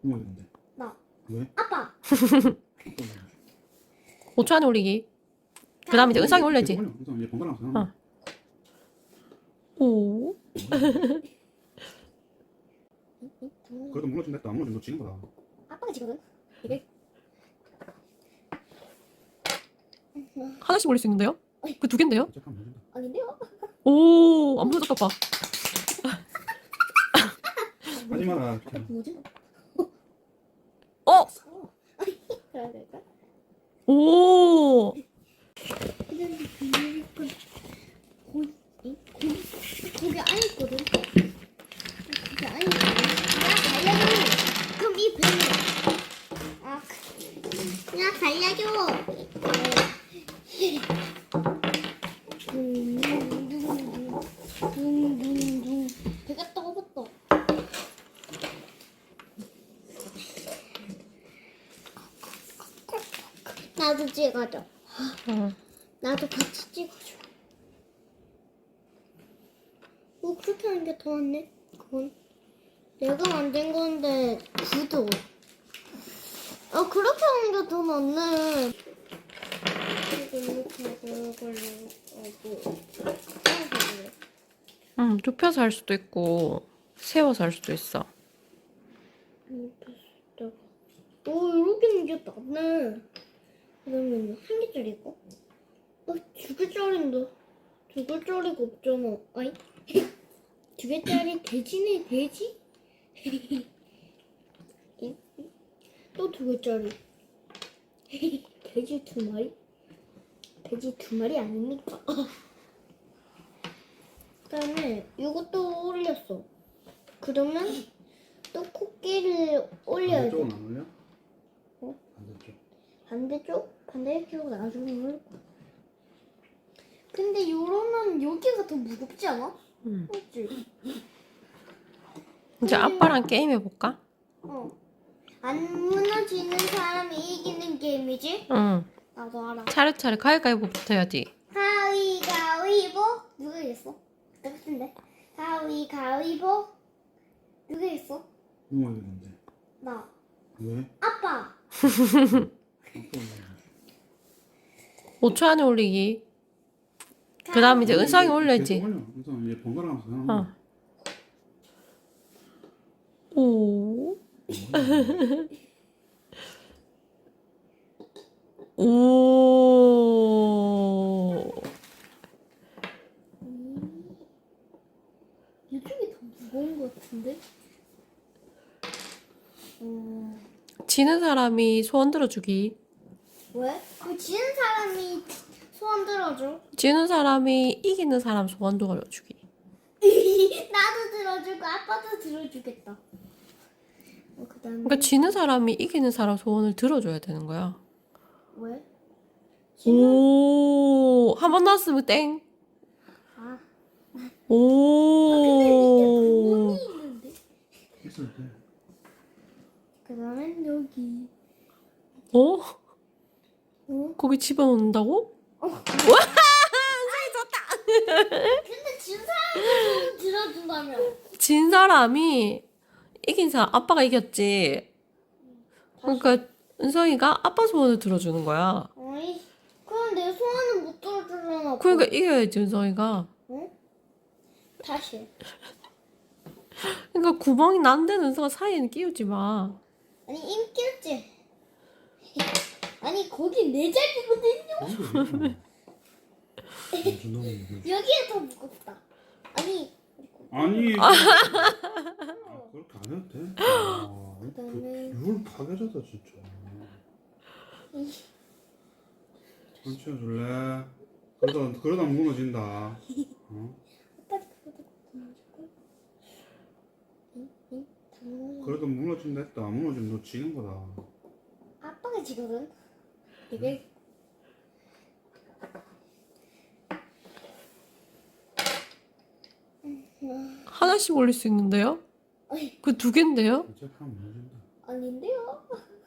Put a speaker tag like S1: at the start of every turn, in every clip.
S1: 누가 있는데?
S2: 나.
S1: 왜?
S2: 아빠.
S3: 5초 안에 올리기. 그 다음에 이제 은상이 올려야지.
S1: 은상 얘 번갈아 가면서
S3: 어. 오.
S1: 그래도 물러준다. 안 물러주면 너 지는 거다.
S2: 아빠가 지거든. 이게.
S3: 하나씩 올릴 수 있는데요? 그 두 개인데요?
S1: 잠깐만 물러준다.
S2: 아닌데요?
S3: 오, 안 무너졌다, 봐.
S1: 하지 마라.
S2: 뭐지?
S3: 어!
S2: 그래야 될까?
S3: 오!
S2: 근데 거기 안에 있거든. 거기 안에 있거든. 나 살려줘. 그럼 이 배는 그냥 살려줘. 둥둥둥 배가 떠봤다. 나도 찍어줘.
S3: 응.
S2: 나도 같이 찍어줘. 그렇게 하는 게 더 낫네. 그건 내가 만든 건데 구도. 그렇게 하는 게 더 낫네. 이렇게 하고 이걸로 하고.
S3: 응, 눕혀서 할 수도 있고, 세워서 할 수도 있어.
S2: 이렇게 하는 게 낫네. 그러면 한 개짜리 있고? 두 개짜리인데. 두 개짜리가 없잖아. 아이? 두 개짜리 돼지네, 돼지? 또 두 개짜리. 돼지 두 마리? 돼지 두 마리 아닙니까? 그 다음에 이것도 올렸어. 그러면 또 코끼리를 올려야 돼.
S1: 반대쪽은 안 올려?
S2: 어?
S1: 반대쪽?
S2: 반대쪽 나중에 올릴 거야. 근데 이러면 여기가 더 무겁지 않아?
S3: 응.
S2: 맞지?
S3: 이제 아빠랑 게임해볼까?
S2: 안 무너지는 사람이 이기는 게임이지?
S3: 응.
S2: 나도 알아.
S3: 차례차례 가위가위보부터 해야지.
S2: 가위가위보? 누가 이겼어? 나 같은데. 가위가위보? 누가 이겼어?
S1: 누가 있는데?
S2: 나.
S1: 왜?
S2: 아빠.
S3: 5초 안에 올리기. 그 다음에 이제 은상이 올려야지.
S1: 은상 얘 번갈아 가면서
S3: 어. 오. 오.
S2: 이쪽이 더 무거운 것 같은데?
S3: 지는 사람이 소원 들어주기.
S2: 왜? 그 지는 사람이 소원 들어줘.
S3: 지는 사람이 이기는 사람 소원 들어주기.
S2: 나도 들어주고 아빠도 들어주겠다. 그다음에
S3: 그러니까 지는 사람이 이기는 사람 소원을 들어줘야 되는 거야.
S2: 왜?
S3: 오, 한 번 나왔으면 땡.
S2: 아,
S3: 오.
S2: 구멍이 있는데.
S1: 있을 때.
S2: 그다음엔 여기.
S3: 어?
S2: 어?
S3: 거기 집어넣는다고?
S2: 근데 진 사람이 들어준다며.
S3: 진 사람이 이긴 사람, 아빠가 이겼지. 그러니까 은성이가 아빠 소원을 들어주는 거야.
S2: 어이, 그럼 내 소원은 못 들어주잖아.
S3: 그러니까 이겨야지 은성이가.
S2: 응? 다시.
S3: 그러니까 구멍이 난 데는 은성아 사이에는 끼우지 마.
S2: 아니 인기였지. 아니 거기 내 자리거든요. 여기가 더 무겁다. 아니.
S1: 아니. 그렇게 안 해도 돼.
S2: 그다음에
S1: 룰 파괴자다 진짜. 손 치워줄래? 그러다 무너진다. 그래도 무너진다 했다. 안 무너지면 너 지는 거다.
S2: 아빠가 지거든. 이게
S3: 하나씩 올릴 수 있는데요?
S2: 어이,
S3: 그 두 개인데요?
S1: 잠깐 무너진다.
S2: 아닌데요?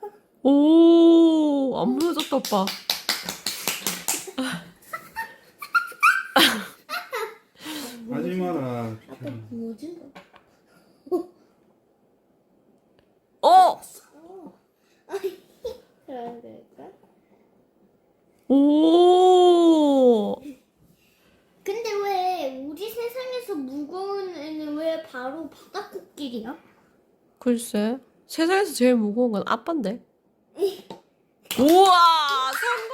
S3: 오, 안 무너졌다 오빠.
S1: 하지 마라.
S2: 아빠 뭐지?
S3: 어! 오.
S2: 근데 왜 우리 세상에서 무거운 애는 왜 바로 바닥코끼리야?
S3: 글쎄. 세상에서 제일 무거운 건 아빠인데. 우와,